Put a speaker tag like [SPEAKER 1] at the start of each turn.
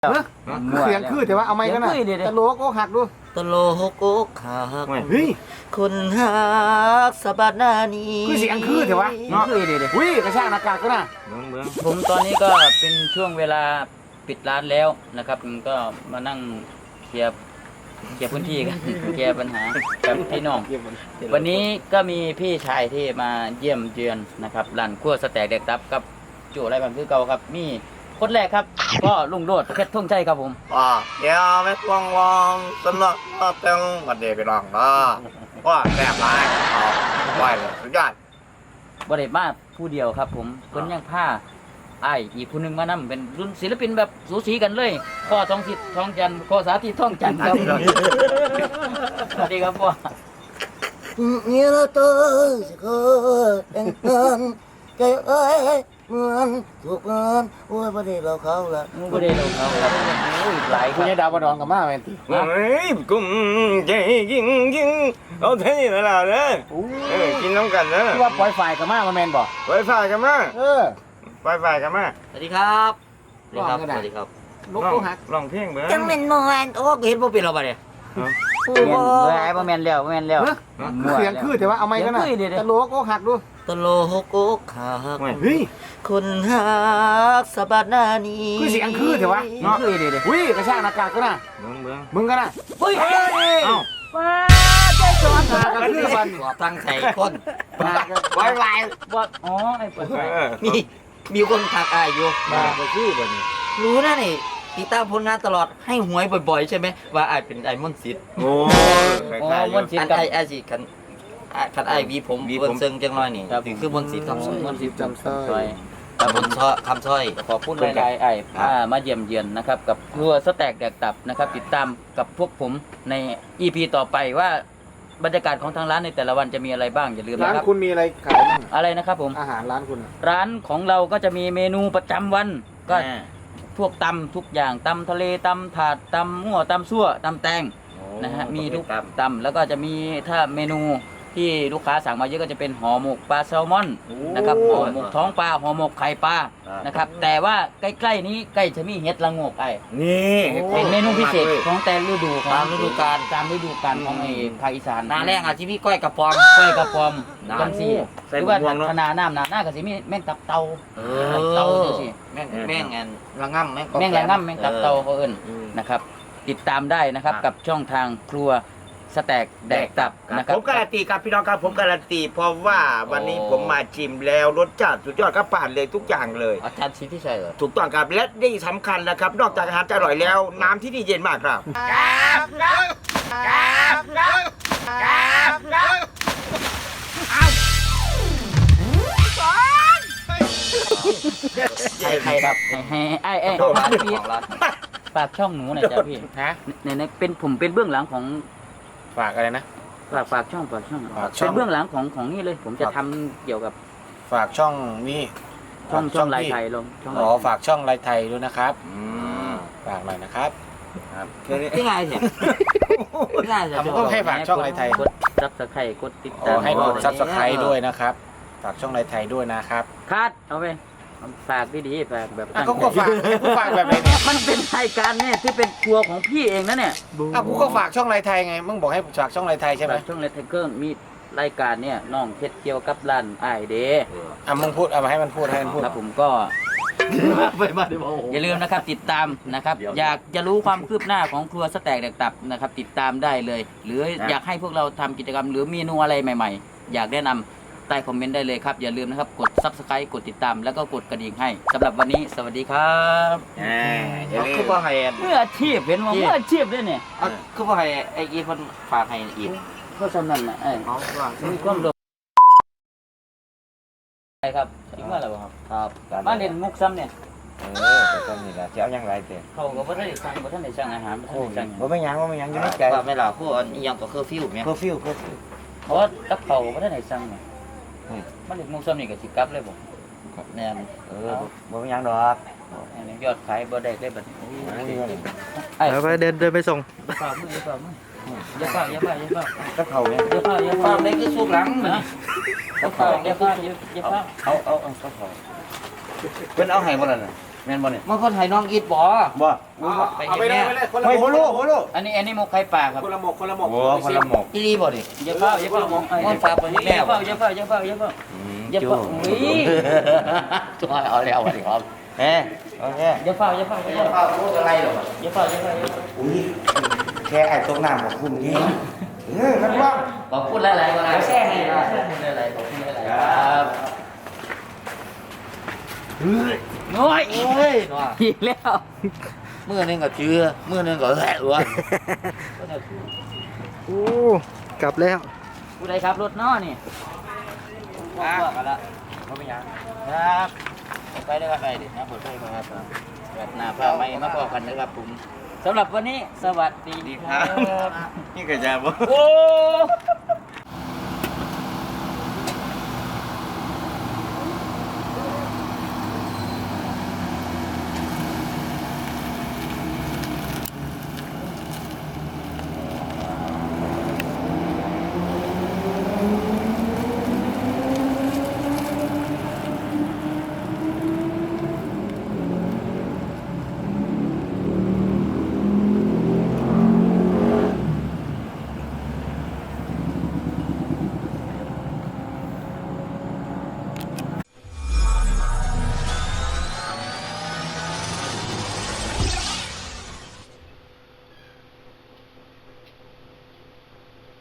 [SPEAKER 1] เสียงคือแต่ว่าเอาไม้กันนะตะโลกโอ้หักดู
[SPEAKER 2] ตะโลกกหัก
[SPEAKER 1] เฮ้ย
[SPEAKER 2] คนหักสะบัดหน้านี้
[SPEAKER 1] คือเสียงคือแต่ว่าเนาะอุ้ยกระชากหน้ากากก็น่ะ
[SPEAKER 3] ผมตอนนี้ก็เป็นช่วงเวลาปิดร้านแล้วนะครับก็มานั่งเคลียร์พื้นที่กันเคลียร์ปัญหากับพี่น้องวันนี้ก็มีพี่ชายที่มาเยี่ยมเยือนนะครับร้านครัวสแต็กแดกตับกับโจ้ไรบันคือเก่าครับมีคนแรกครับก็ลุงโรดเพชรทุ่งชัยครับผม
[SPEAKER 2] เดี๋ยวไม่กวงวองสนุกเต็มวันเดียวไปลองนะว่าแซ่บร้ายไหวเลยสุดยอด
[SPEAKER 3] บริมาผู้เดียวครับผมคนยังผ้าไอ้อีกผู้หนึ่งมานำเป็นรุ่นศิลปินแบบสูสีกันเลยพ่อทองสิทธิ์ทองจันทร์พ่อสาธิตทองจันทร์ครับสวัสดีครับพ่อ
[SPEAKER 2] เนี่ยเราเจอสิเคยแต่งงานใจเอ้ยเหมือนถูกเงินโอ้ยประเดี๋ยวเราเขาละ
[SPEAKER 3] ประเดี๋ยวเราเขาครับโอ้ยหลาย
[SPEAKER 1] คุณยายดาวบดองกับมาแม่นติ
[SPEAKER 2] เฮ้ยกุ้งใจยิงเอาเท่านี้แล้วนะกินน้ำกันนะ
[SPEAKER 1] ที่ว่าปล่อยไฟกับมาแม่นบ่
[SPEAKER 2] ปล่อยไฟกันมาปล่อยไฟกันมา
[SPEAKER 3] สวัสดีครับสวัสดีครับ
[SPEAKER 1] ลูกโอ้หัก
[SPEAKER 2] ลองเพลงเบิ่ง
[SPEAKER 3] จังเป็นโมแมนโอ้เห็นบ่เป็นเราบ่เนี่ยบ่แม่นแล้ว
[SPEAKER 1] เสียงคือแต่ว่าเอาไม้กันนะตะโลกโอ้หักดู
[SPEAKER 3] ตะโลกหัก
[SPEAKER 1] เฮ้ย
[SPEAKER 2] คนหักสะบัดหน้านี้
[SPEAKER 1] คือเสียงคือแต่ว่าเนาะอุ้ยกระชากหน้ากากก็น่ะมึงก็น่ะ
[SPEAKER 3] เฮ้ย
[SPEAKER 1] เอ้า
[SPEAKER 3] ว้าใจสอนหากันคือมัน
[SPEAKER 2] ตั้งใจคนไว้
[SPEAKER 3] บ่อ๋อไอ้เปิดไฟ
[SPEAKER 2] มีคนทักอายอยู่
[SPEAKER 1] มาก็คือบ่นี่
[SPEAKER 2] รู้นะนี่ติดตามผลงานตลอดให้หวยบ่อยๆใช่ไหมว่าอายเป็นไอ้มนต์สิทธิ์
[SPEAKER 1] โอ้
[SPEAKER 3] มนต์สิทธิ์
[SPEAKER 2] ไอ้สิคันไอ้วีผมเซิงจังน้อยนี่คือมนต์สิทธิ์คำสร้อย
[SPEAKER 1] มนต์สิทธิ์จำสร้อย
[SPEAKER 2] มนต์คำสร้อย
[SPEAKER 3] ขอพูดหลายๆไอ้มาเยี่ยมเยือนนะครับกับครัวสแต็กแดกตับนะครับติดตามกับพวกผมใน EP ต่อไปว่าบรรยากาศของทางร้านในแต่ละวันจะมีอะไรบ้างอย่าลืมนะครับ
[SPEAKER 1] ร้านคุณมีอะไรขายบ้าง
[SPEAKER 3] อะไรนะครับผม
[SPEAKER 1] อาหารร้านคุณ
[SPEAKER 3] ร้านของเราก็จะมีเมนูประจำวันก็พวกตำทุกอย่างตำทะเลตำถาดตำมั่วตำซั่วตำแตงนะฮะมีทุกตำแล้วก็จะมีถ้าเมนูที่ลูกค้าสั่งมาเยอะก็จะเป็นห่อหมกปลาแซลมอนนะครับห่อหมกท้องปลาห่อหมกไข่ปลานะครับแต่ว่าใกล้ๆนี้ใกล้จะมีเห็ดละโงกไอ้
[SPEAKER 2] นี่
[SPEAKER 3] เป็นเมนูพิเศษของแต่ฤดูของตามฤดูกาลของไอ้ภาคอีสาน
[SPEAKER 2] หน้าแรงอาจจะมีก้อยกระปอม
[SPEAKER 3] จังซี่หรือว่าขนาดน้ำหน้าก็สิมีแม่งตับเตาจังซี่
[SPEAKER 2] แม่งระง่ำ
[SPEAKER 3] แม่งตับเตาเขาเอิ้นนะครับติดตามได้นะครับกับช่องทางครัวสแต็กแดกตับนะครับ
[SPEAKER 2] ผมการันตีครับพี่น้องครับผมการันตีเพราะว่าวันนี้ผมมาชิมแล้วรสชาติสุดยอดครับผ่านเลยทุกอย่างเลย
[SPEAKER 3] อาจารย์ชิที่ใช่เหรอ
[SPEAKER 2] ถูกต้องครับและที่สำคัญนะครับนอกจากอาหารจะอร่อยแล้วน้ำที่นี่เย็นมากครับ
[SPEAKER 3] ใครครับไอ้ฝากช่องหนูหน่อยจ้ะพี่ในผมเป็นเบื้องหลังของ
[SPEAKER 1] ฝากอะไรนะ
[SPEAKER 3] ฝากช่องเป็นเบื้องหลังของนี่เลยผมจะทำเกี่ยวกับ
[SPEAKER 1] ฝากช่องนี่
[SPEAKER 3] ช่องลายไทยลง
[SPEAKER 1] ฝากช่องลายไทยด้วยนะครับฝากหน่อยนะครับ
[SPEAKER 3] ที่ไงเสีย
[SPEAKER 1] ผมก็ให้ฝากช่องลายไทย
[SPEAKER 3] กดซับสไครต์กดติดตาม
[SPEAKER 1] ให้กดซับสไครต์ด้วยนะครับฝากช่องลายไทยด้วยนะครับ
[SPEAKER 3] คัดเอาไปฝากดีๆฝากแบบ
[SPEAKER 1] ก็ฝากแบบไหนเนี่ย
[SPEAKER 3] มันเป็นรายการเนี่ยที่เป็นครัวของพี่เองนะเนี่ย
[SPEAKER 1] กูก็ฝากช่องลายไทยไงมึงบอกให้ฝากช่องลายไทยใช่ไหม
[SPEAKER 3] ช่องลายไทยก็มีรายการเนี่ยน้องเพชรเกี่ยวกับร้านไอเด
[SPEAKER 1] มึงพูดเอามาให้มันพูด
[SPEAKER 3] ครับผมก็อย่าลืมนะครับติดตามนะครับอยากจะรู้ความคืบหน้าของครัวสแต็กแดกตับนะครับติดตามได้เลยหรืออยากให้พวกเราทำกิจกรรมหรือเมนูอะไรใหม่ๆอยากแนะนำใต้คอมเมนต์ได้เลยครับอย่าลืมนะครับกด Subscribe กดติดตามแล้วก็กดกระดิ่งให้สำหรับวันนี้สวัสดีครับ
[SPEAKER 2] คือว่าให้
[SPEAKER 3] เมื่ออาชีพเห็นว่าเมื่ออาชีพด้วยเนี่ย
[SPEAKER 2] คือว่าให้ไอ้คนฝากให้อีก
[SPEAKER 3] ก็สำนันนะมีความรู้ใช่ครับอีกว่าอะไรครับมาเรียนมุกซ้ำเนี่ย
[SPEAKER 2] แต่ตอนนี้ละเจ้ายังไรเจ้
[SPEAKER 3] เขาก็บ่ได้สั่งอาหาร
[SPEAKER 2] บ่ไม่ยังอยู่ในใจไม่หล่ะผู้อันยังก็เคอร์ฟิวมั้ยเคอร์ฟิว
[SPEAKER 3] เพราะกับเขาบ่ได้สั่งเนี่ยมันเรียนมุกซ้ำนี่ก็สิกลับเลยบ่แน่น
[SPEAKER 2] บ่ไม่ยังดอก
[SPEAKER 3] ยอดขายบ่ได้เลยบัด
[SPEAKER 1] ไปเดินไปส่ง
[SPEAKER 3] ฝากมืออย่าฝาก
[SPEAKER 2] ก็เขาเนี่ย
[SPEAKER 3] อย่าฝากได้คือสุกหลังนะอย่าฝาก
[SPEAKER 2] เอาก็เขาเพิ่นเอาให้บ่ล่ะน่ะ
[SPEAKER 3] แม่นบ่เนี่ย
[SPEAKER 2] มันคนไทยน้องอีทบ่
[SPEAKER 1] บ่
[SPEAKER 3] ไปเห็นแน่
[SPEAKER 1] เฮ้ยบ่รู้บ่รู้
[SPEAKER 3] อันนี้หมกไข่ปลาครับ
[SPEAKER 1] คนละหมกคนละหมกโอ้คนละหมก
[SPEAKER 2] อีรีบ่นี่
[SPEAKER 3] อย่าเฝ้าอย่าเฝ้าอย่าเฝ้าอย่าเฝ้าอย่าเฝ้าอย่าเฝ้าอย่าเฝ้าอย่าเฝ้าอุ้ย
[SPEAKER 2] ตัวเอาแล้ววันนี้ครับ
[SPEAKER 1] เฮ้โอเค
[SPEAKER 3] อย่าเฝ้าอย่าเฝ้าอย่าเฝ้า
[SPEAKER 2] พูดอะไรหรอ
[SPEAKER 3] อย่าเฝ้าอย่าเฝ้า
[SPEAKER 1] อุ้ยแค่ไอ้ตรงน้ำของคุณนี่นักร้อง
[SPEAKER 3] ขอบคุณหลายๆก็ได้แช่ให้ขอบคุณหลายๆขอบคุณหลายๆครับน้อย
[SPEAKER 2] เฮ้ยนัว
[SPEAKER 3] อีกแล้ว
[SPEAKER 2] มือนึงก็เชื่อมือนึงก็แหะวะ
[SPEAKER 4] โอ้กลับแล้ว
[SPEAKER 3] ผู้ใดครับรถน้อนี่ว่ากันละเขาเป็นยังครับไปได้ครับไปดินะเปิดไฟมาครับแบบหน้าผ้าไม่มาพอกันนะครับผมสำหรับวันนี้สวัสดีครับ
[SPEAKER 1] นี่ก็จะบ่
[SPEAKER 3] โอ้